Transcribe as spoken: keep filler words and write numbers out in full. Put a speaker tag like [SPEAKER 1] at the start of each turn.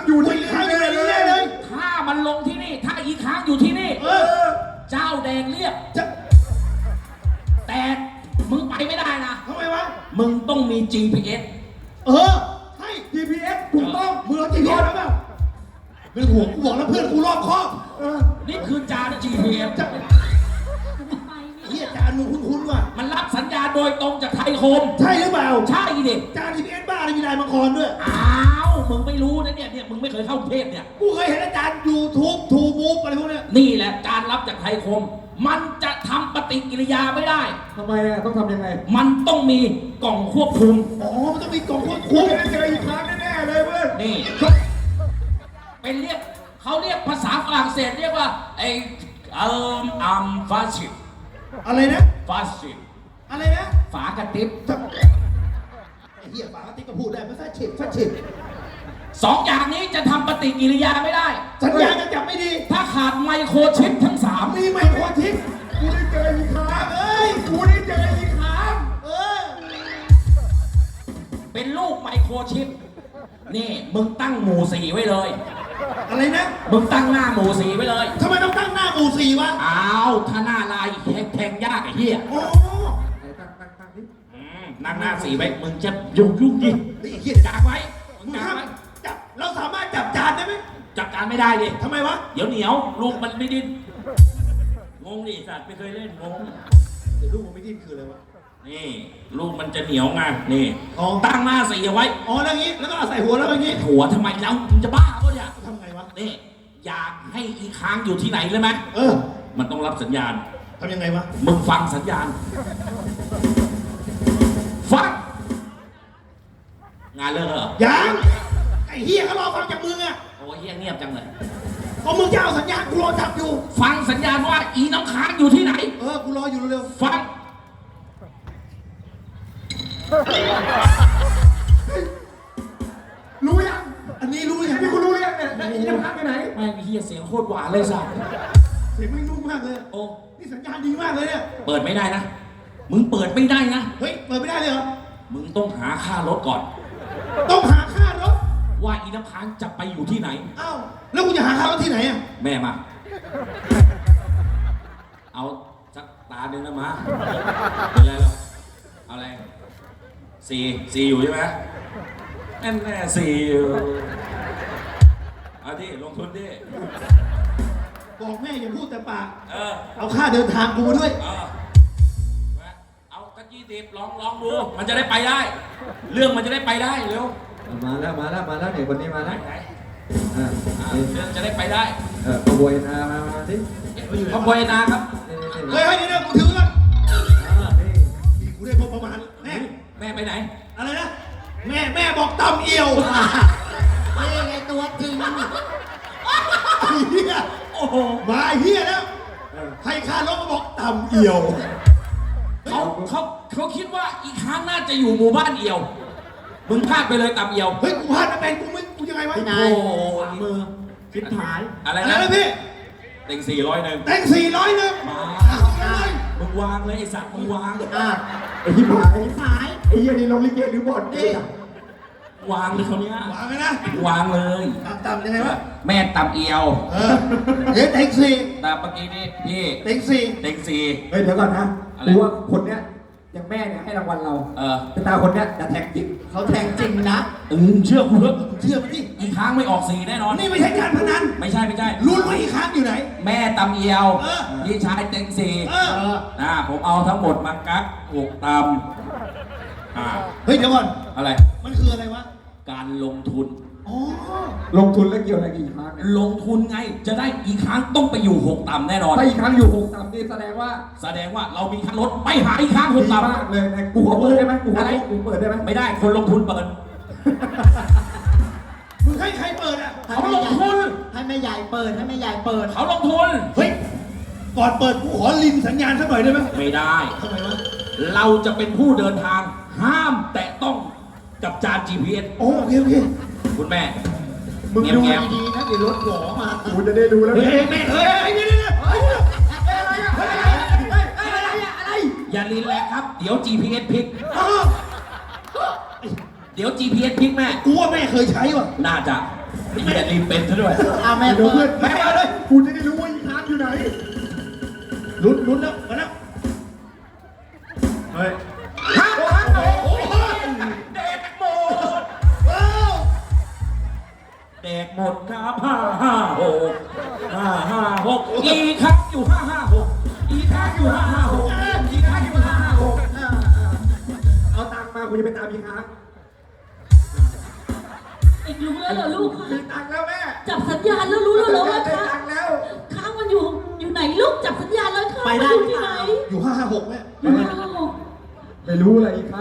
[SPEAKER 1] อยู่ที่นี่เลยเลย
[SPEAKER 2] ถ้ามันลงที่นี่ถ้าอีค้างอยู่ที่นี่เออเจ้าแดงเรียกแต่มึงไปไม่ได้นะ
[SPEAKER 1] ทำไมวะ
[SPEAKER 2] มึงต้องมี จี พี เอส
[SPEAKER 1] เออใช่ จี พี เอส ถูกต้องมึงเอา จี พี เอส แล้วเปล่าเรื่องหัวกูบอกแล้วเพื่อนกูรอบคอบ
[SPEAKER 2] นี่คือจาน จี พี เอส
[SPEAKER 1] เฮียจานมึงคุ้นๆว่ะ
[SPEAKER 2] มันรับสัญญาณโดยตรงจากไทยคม
[SPEAKER 1] ใช่หรือเปล่า
[SPEAKER 2] ใช่ดิ
[SPEAKER 1] จาน จี พี เอส บ้าอะไรมีลายมังกรด้วย
[SPEAKER 2] อ้าวมึงไม่รู้นะเนี่ยเนี่ยมึงไม่เคยเข้ากรุงเทพเนี่ย
[SPEAKER 1] กูเคยเห็นอาจารย์ ยูทูบ ทูมูฟอะไรพวกนี้
[SPEAKER 2] นี่แหละการรับจากไทยคมมันจะทำปฏิกิริยาไม่ได้
[SPEAKER 3] ทำไมอ่ะต้องทำยังไง
[SPEAKER 2] มันต้องมีกล่องควบคุม
[SPEAKER 1] อ๋อมันต้องมีกล่องควบคุมจะเจออีกครั้งแน่ๆเลยเพื่อน
[SPEAKER 2] นี่เป็นเรียกเขาเรียกภาษาฝรั่งเศสเรียกว่าไอ้เอ่ออัมฟาชิ
[SPEAKER 1] อะไรนะ
[SPEAKER 2] ฟาชิ
[SPEAKER 1] อะไรนะ
[SPEAKER 2] ฝากระติบ
[SPEAKER 1] ไอ้เหี้ยฝากระติบก็พูดได้ไม่ใช่ฉิบฟาชิบ
[SPEAKER 2] สองอย่างนี้จะทำปฏิกิริยาไม่ได้
[SPEAKER 1] สัญญาณจะจับไม่ดี
[SPEAKER 2] ถ้าขาดไมโครชิปทั้งสาม
[SPEAKER 1] มีไมโครชิปกูได้เจออีกครั้งเอ้ยกูได้เจออีกครั้งเออ
[SPEAKER 2] เป็นลูกไมโครชิปนี่มึงตั้งหมู่สี่ไว้เลย
[SPEAKER 1] อะไรนะ
[SPEAKER 2] มึงตั้งหน้าหมู่สี่ไว้เลย
[SPEAKER 1] ทำไมต้องตั้งหน้าหมู่สี่วะ
[SPEAKER 2] อ้าวถ้าหน้าลายแทงยากไอ้เหี้ย
[SPEAKER 1] โอ้
[SPEAKER 3] ตั้งตั้งตั้งดิ
[SPEAKER 2] นั่งหน้าสี่ไว้มึงจะยุ่งยุ่งดิ
[SPEAKER 1] ไอ้เหี้ย
[SPEAKER 2] จับไว้
[SPEAKER 1] มึงจับจับเราสามารถจับจานได้ไหม
[SPEAKER 2] จับจานไม่ได้ดิ
[SPEAKER 1] ทำไมวะ
[SPEAKER 2] เดี๋ยวเหนียวลูกมันไม่ดิ้นงงดิสัตว์ไม่เคยเล่นงง
[SPEAKER 1] เดี๋ยวลูกมันไม่ดิ้นคืออะไรวะ
[SPEAKER 2] นี่ลูกมันจะเหนียวไงนี่ตั้งหน้าสี่เอาไว้
[SPEAKER 1] อ๋อแล้วงี้แล้วก็ใส่หัวแล้วอย่างงี้
[SPEAKER 2] หัวทำไมแล้วมึงจะบ้าปะเนี่ย
[SPEAKER 1] ทำไงวะ
[SPEAKER 2] นี่อยากให้อีค้างอยู่ที่ไหนเลยไหม
[SPEAKER 1] เออ
[SPEAKER 2] มันต้องรับสัญญาณ
[SPEAKER 1] ทำยังไงวะ
[SPEAKER 2] มึงฟังสัญญาณฟังงานเลิกเหรอ
[SPEAKER 1] ยังไอ้เฮียเขารอฟังจากมึงอะ
[SPEAKER 2] โอ้ยเฮียเงียบจังเลย
[SPEAKER 1] ก็มึงจะเอาสัญญาณกูรอจับอยู่
[SPEAKER 2] ฟังสัญญาณว่าอีน้ำค้างอยู่ที่ไหน
[SPEAKER 1] เออกูรออยู่เร็ว
[SPEAKER 2] ๆฟัง
[SPEAKER 1] รู้ยังอันนี้รู้ยัง
[SPEAKER 3] นี่กูรู้ยังเนี่ยอีน้ำค้างไปไหน
[SPEAKER 2] ไม่เฮียเสียงโคตรหวานเลยสัส
[SPEAKER 1] เสียงไม่นุ่มมากเลย
[SPEAKER 2] โอ้
[SPEAKER 1] นี่สัญญาณดีมากเลยเนี่ย
[SPEAKER 2] เปิดไม่ได้นะมึงเปิดไม่ได้นะ
[SPEAKER 1] เฮ้ยเปิดไม่ได้เลยเหรอ
[SPEAKER 2] มึงต้องหาค่ารถก่อน
[SPEAKER 1] ต้องหาค่ารถ
[SPEAKER 2] ว่าอีน้ำค้างจะไปอยู่ที่ไหน
[SPEAKER 1] อ้าวแล้วกูจะหาค่ารถที่ไหนอ่ะ
[SPEAKER 2] แม่มาเอาสักตาหนึ่งนะมาเป็นไรหรอเอาอะไรสี่สี่อยู่ใช่ไหมแน่แน่สี่อยู่เอาดิลงทุนดิ
[SPEAKER 1] บอกแม่อย่าพูดแต่ปาก
[SPEAKER 2] เออ
[SPEAKER 1] เอาค่าเดินทางกูมาด้วย
[SPEAKER 2] เออเอากระจี้ดิบลองลองดูมันจะได้ไปได้เรื่องมันจะได้ไปได้เร็ว
[SPEAKER 3] มาแล้วมาแล้วมาแล้วเด็กคนนี้มาแล้ว
[SPEAKER 2] อ่าเรื่องจะได้ไปได้
[SPEAKER 3] เออขบวนนามามาสิ
[SPEAKER 2] ขบวนนาครับ
[SPEAKER 1] เฮ้ยเฮ้ยเดี๋ยวกูถือก่อนนี่กูได้พบประมาณแม่
[SPEAKER 2] แม่ไปไหน
[SPEAKER 1] อะไรนะแม่แม่บอกตำเอียว
[SPEAKER 4] เฮ้ยไงตัวจริง
[SPEAKER 1] เฮียโอ้โหมาเฮียแล้วให้ค่ารถมาบอกตำเอียว
[SPEAKER 2] เขาเขาเขาคิดว่าอีกครั้งน่าจะอยู่หมู่บ้านเอียวมึงพลาดไปเลยตำเอียว
[SPEAKER 1] เฮ้ยกูพลาดไม่เป็นกูไม่กูยังไงวะ
[SPEAKER 2] โอ้
[SPEAKER 4] มือชิบหาย
[SPEAKER 2] อะไร
[SPEAKER 1] นะพี่
[SPEAKER 2] เต็งสี่ร้อยหนึ่ง
[SPEAKER 1] เต็งสี่ร้อยหนึ่ง
[SPEAKER 2] มามึงวางเลยไอ้สัตว์มึงวาง
[SPEAKER 4] อ่ะ
[SPEAKER 3] ไอ้ที่หาย
[SPEAKER 4] หาย
[SPEAKER 3] ไอ้ยี่นี่ลงลิเกหรือบอล
[SPEAKER 4] ดิ
[SPEAKER 2] วางเลยเขาเนี้ยว
[SPEAKER 1] างเลยนะ
[SPEAKER 2] วางเลย
[SPEAKER 1] ตำยังไงวะ
[SPEAKER 2] แม่ตำเอียว
[SPEAKER 1] เออเฮ้ยเต็งสี่
[SPEAKER 2] ตำเมื่อกี้นี่พี่
[SPEAKER 1] เต็งสี่
[SPEAKER 2] เต็งสี่
[SPEAKER 3] เฮ้ยเดี๋ยวก่อนนะกูว่าคนเนี้ยอย่างแม่เนี่ยให้รางวัลเรา
[SPEAKER 2] เออ
[SPEAKER 3] แต่ตาคนเนี้ยจะแทงจริง
[SPEAKER 4] เขาแทงจริงนะ
[SPEAKER 2] อืมเชื่อกูเถอะ
[SPEAKER 1] เชื่อมันดิ
[SPEAKER 2] อีกครั้งไม่ออกสีแน่นอน
[SPEAKER 1] นี่ไม่ใช่การพนัน
[SPEAKER 2] ไม่ใช่ไม่ใช่
[SPEAKER 1] รู้ว่าอีกครั้งอยู่ไหน
[SPEAKER 2] แม่ตำเอียวพี่ชายเต็งสี่อ่าผมเอาทั้งหมดมากักหกตำอ่า
[SPEAKER 1] เฮ้ยเดี๋ยวก่อน
[SPEAKER 2] อะไร
[SPEAKER 1] มันคืออะไรวะ
[SPEAKER 2] การลงทุน
[SPEAKER 1] อ๋อ
[SPEAKER 3] ลงทุนแล้วเกี่ยวอะไรอีกครั้ง
[SPEAKER 2] ลงทุนไงจะได้อีกครั้งต้องไปอยู่หกต่ำแน่นอน
[SPEAKER 3] ถ้าอีกครั้งอยู่หกต่ำนี่แสดงว่า
[SPEAKER 2] แสดงว่าเรามีค่ารถไปหาอีกครั้งหกต่ำ
[SPEAKER 3] มากเลยนะกูขอเปิดได้ไหมกูขอกูเปิดได้ไหม
[SPEAKER 2] ไม่ได้คนลงทุนเปิด
[SPEAKER 1] มึงให้ใครเปิดอ่ะ
[SPEAKER 2] เขาลงทุน
[SPEAKER 4] ให้แม่ใหญ่เปิดให้แม่ใหญ่เปิด
[SPEAKER 2] เขาลงทุน
[SPEAKER 1] เฮ้ยก่อนเปิดกูขอลินสัญญาณสักหน่อยได้ไหม
[SPEAKER 2] ไม่ได้
[SPEAKER 1] ทำไมวะ
[SPEAKER 2] เราจะเป็นผู้เดินทางห้ามแตะต้องกับจาน จี พี เอส
[SPEAKER 1] โอเคโอเค
[SPEAKER 2] คุณแม่
[SPEAKER 4] มึงดูดีๆนะเดี๋ยวรถหวอมา
[SPEAKER 3] กูจะได้ดูแล้ว
[SPEAKER 1] เฮ้ยแม่เฮ้ยนี่นี่นี่อะไร
[SPEAKER 2] อะไรอย่าลีนแรงครับเดี๋ยว จี พี เอส พลิกเดี๋ยว จี พี เอส พลิกแม่
[SPEAKER 1] กูว่าแม่เคยใช้ว่ะ
[SPEAKER 2] น่าจะไอ้เหี้ยรีบเป็นซะด้วย
[SPEAKER 4] เอาแม่
[SPEAKER 1] เดี๋ยว
[SPEAKER 4] เปิ
[SPEAKER 1] เพื่อ
[SPEAKER 4] ด
[SPEAKER 1] นแม่มาเลยกูจะได้รู้ว่าอีคานอยู่ไหนลุ้นลุ้นแล้วมาแล้วเฮ้ยห้าห้าโอ้โห
[SPEAKER 2] เด็กหมด
[SPEAKER 1] ว้าว
[SPEAKER 2] เด็กหมดครับห้าห้าหกห้าห้าหกอีกครับอยู่ห้าห้าหกอีกครับอยู่ห้าห้าหกอีกครับอยู่ห้าห้าหก
[SPEAKER 3] เอาตังค์มากูจะไปตามพี่ค้าง
[SPEAKER 5] อีกรู้แล้วเหรอลูก
[SPEAKER 3] มีตังค์แล้วแม่
[SPEAKER 5] จับสัญญาณแล้วรู้แล้วเหรอว่า
[SPEAKER 3] ได้
[SPEAKER 5] ค้าง
[SPEAKER 3] ตังค์แล้ว
[SPEAKER 5] ค้างมันอยู่อยู่ไหนลูกจับสัญญาณแล้วค้าง
[SPEAKER 4] ไป
[SPEAKER 5] มัน
[SPEAKER 4] ได้
[SPEAKER 5] อยู่
[SPEAKER 4] หรือ
[SPEAKER 5] ที่
[SPEAKER 4] เป
[SPEAKER 5] ไหน
[SPEAKER 4] ล่า
[SPEAKER 1] อยู่ห้าห้าหกแม่
[SPEAKER 5] อยู่ห้าหก
[SPEAKER 3] ไม่รู้อะไรอีกครับ